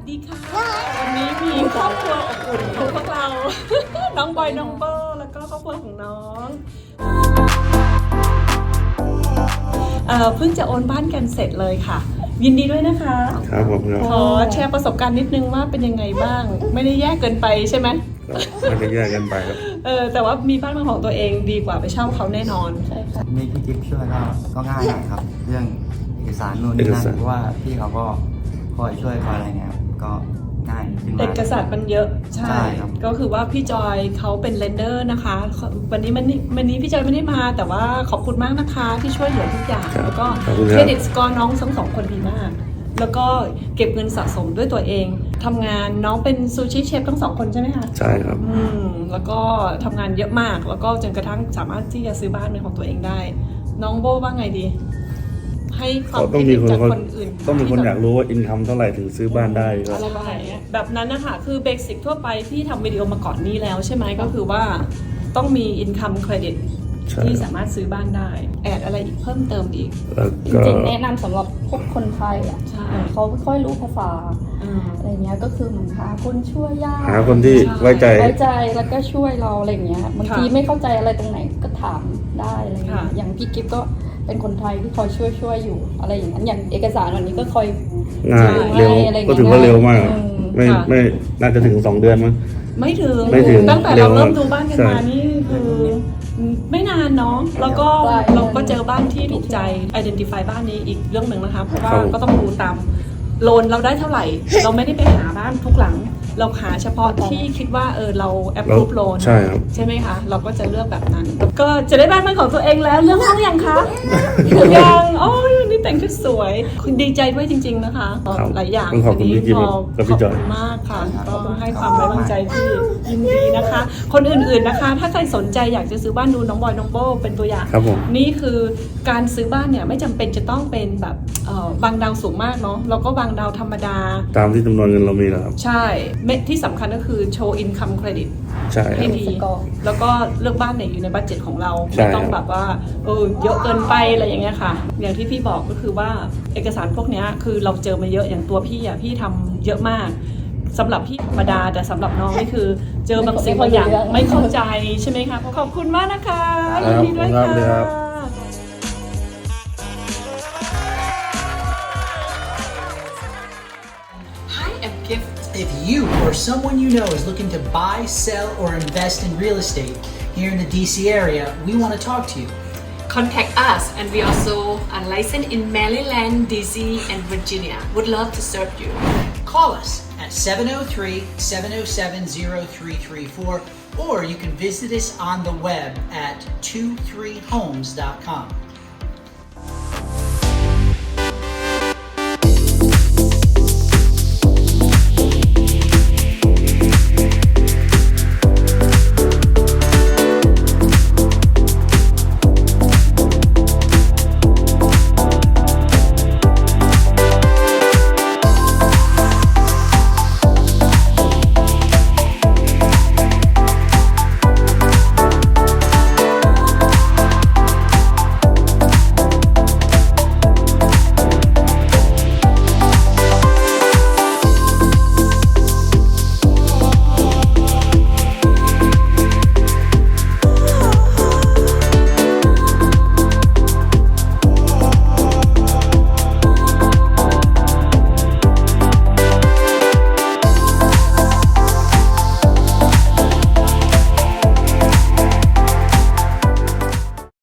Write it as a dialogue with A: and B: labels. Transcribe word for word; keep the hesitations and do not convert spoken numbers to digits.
A: ดีค่ะวันนี้มีครอบครัวอบอุ่นของพวกเรา น้องบอยน้องเบอร์แล้วก็ครอบครัวของน้องเอ่อเพิ่งจะโอนบ้านกันเสร็จเลยค่ะ ยินดีด้วยนะคะ
B: ครับผมครับ
A: ขอแชร์ประสบการณ์นิดนึงว่าเป็นยังไงบ้าง ไม่ได้แยกเกินไปใช่ไหม
B: ไม่ได้แยกกันไปครับ
A: เออแต่ว่ามีบ้านเป็นของตัวเองดีกว่าไปเช่าเขาแน่นอนใช่ค่ะ
C: มีพี่จิ๊บช่วยก็ก็ง่ายหน่อยครับเรื่องเอกสารนู่นนี่นั่นเพราะว่าพี่เขาก็คอยช่วยคอยอะไรเงี้ยก็ง่ายขึ้นมา
A: เอกสารมันเยอะใช่ก็คือว่าพี่จอยเขาเป็นเลนเดอร์นะคะวันนี้มันวันนี้พี่จอยไม่ได้มาแต่ว่าขอบคุณมากนะคะที่ช่วยเหลือทุกอย่างแล้วก็เครดิตสกอร์น้องทั้งสองคนดีมากแล้วก็เก็บเงินสะสมด้วยตัวเองทำงานน้องเป็นซูชิเชฟทั้งสองคนใช่ไหมคะ
B: ใช่ครับ
A: อืมแล้วก็ทำงานเยอะมากแล้วก็จนกระทั่งสามารถที่จะซื้อบ้านเป็นของตัวเองได้น้องโบว่าไงดีให้ความคิดเห็นจากคนอื่น
B: ต้องมีคนอยากรู้ว่าอินคัมเท่าไหร่ถึงซื้อบ้านได้ก็
A: แบบนั้นนะคะคือเบสิกทั่วไปที่ทำวิดีโอมาก่อนนี้แล้วใช่ไหมก็คือว่าต้องมีอินคัมเครดิตที่สามารถซื้อบ้านได้แอดอะไรอีกเพิ่มเติมอีก
D: จริงๆแนะนำสำหรับพวกคนไทยอ่ะเขาไม่ค่อยรู้ภาษาอะไรเงี้ยก็คือเหมือนหาคนช่วยยาก
B: หาคนที่ไว้ใจ
D: ไว้ใจแล้วก็ช่วยเราอะไรเงี้ยบางทีไม่เข้าใจอะไรตรงไหนก็ถามได้อะไรเงี้ยอย่างพี่กิฟก็เป็นคนไทยที่คอยช่วยช่วยอยู่อะไรอย่างนั้นอย่างเอกสารวันนี้ก็คอย
B: ง่ายเร็วก็ถือว่าเร็วมากไม่ไม่น่าจะถึงสองเดือนมั้ง
A: ไม่ถึง
B: ไม่ถึง
A: ตั้งแต่เราเริ่มดูบ้านกันมานี่คือไม่นานเนาะแล้วก็เราก็เจอบ้านที่ถูกใจ identify บ้านนี้อีกเรื่องหนึ่งนะคะเพราะว่าก็ต้องดูตามโลนเราได้เท่าไหร่เราไม่ได้ไปหาบ้านทุกหลังเราหาเฉพาะที่คิดว่าเออเรา approve loan
B: ใช่ครับ
A: ใช่ไหมคะเราก็จะเลือกแบบนั้นก็จะได้บ้านเป็นของตัวเองแล้วเรื่องห้องยังคะยังโอ้ยนี่แต่งชุดสวยคุณดีใจด้วยจริงๆนะคะหลายอย่าง
B: ขอบคุณพี่จิ๊บกับพี่จอย
A: มากค่ะก็ให้ความไว้วางใจที่ยินดีนะคะคนอื่นๆนะคะถ้าใครสนใจอยากจะซื้อบ้านดูน้องบอยน้องโบเป็นตัวอย่างนี่คือการซื้อบ้านเนี่ยไม่จำเป็นจะต้องเป็นแบบบางดาวสูงมากเนาะเราก็บางดาวธรรมดา
B: ตามที่จำนวนเงินเรามีแล้วครับ
A: ใช่ที่สำคัญก็คือโชว์ income credit
B: ใช่
A: ให้ดีแล้วก็เลือกบ้านไหนอยู่ในบัดเจ็ตของเราไม่ต้องแบบว่าเออเยอะเกินไปอะไรอย่างเงี้ยค่ะอย่างที่พี่บอกก็คือว่าเอกสารพวกนี้คือเราเจอมาเยอะอย่างตัวพี่อ่ะพี่ทำเยอะมากสำหรับพี่ธรรมดาแต่สำหรับน้องนี่คือเจอบางสิ่งบางอย่างไม่เข้าใจใช่ไหมคะขอบคุณมากนะคะยินดีด้วยค่ะ
E: If you or someone you know is looking to buy, sell, or invest in real estate here in the D C area, we want to talk to you.
F: Contact us, and we also are licensed in Maryland, D C, and Virginia. Would love to serve you.
E: Call us at seven oh three, seven oh seven, oh three three four, or you can visit us on the web at two three homes dot com.